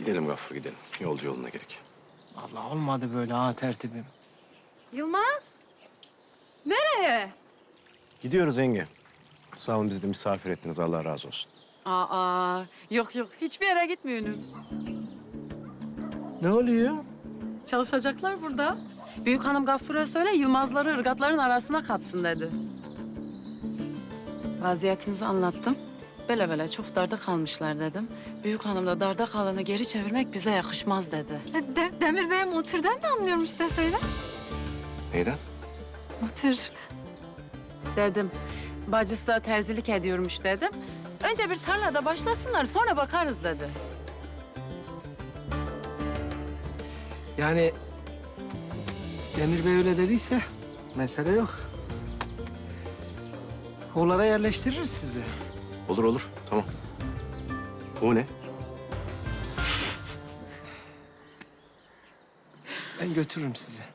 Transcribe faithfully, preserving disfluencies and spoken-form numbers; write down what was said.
Gidelim Gaffur gidelim. Yolcu yoluna gerek. Allah olmadı böyle ha tertibim. Yılmaz. Nereye? Gidiyoruz yenge. Sağ olun bizi de misafir ettiniz. Allah razı olsun. Aa, yok yok. Hiçbir yere gitmiyorsunuz. Ne oluyor? Çalışacaklar burada. Büyük hanım Gaffur'a söyle Yılmazları ırgatların arasına katsın dedi. Vaziyetinizi anlattım. Böyle böyle çok darda kalmışlar dedim. Büyük hanım da darda kalanı geri çevirmek bize yakışmaz dedi. De Demir Bey motordan da anlıyormuş deseydi. Neyden? Motor. Dedim. Bacısı da terzilik ediyormuş dedim. Önce bir tarlada başlasınlar sonra bakarız dedi. Yani Demir Bey öyle dediyse mesele yok. Oğlara yerleştiririz sizi. Olur olur. Tamam. Bu ne? Ben götürürüm sizi.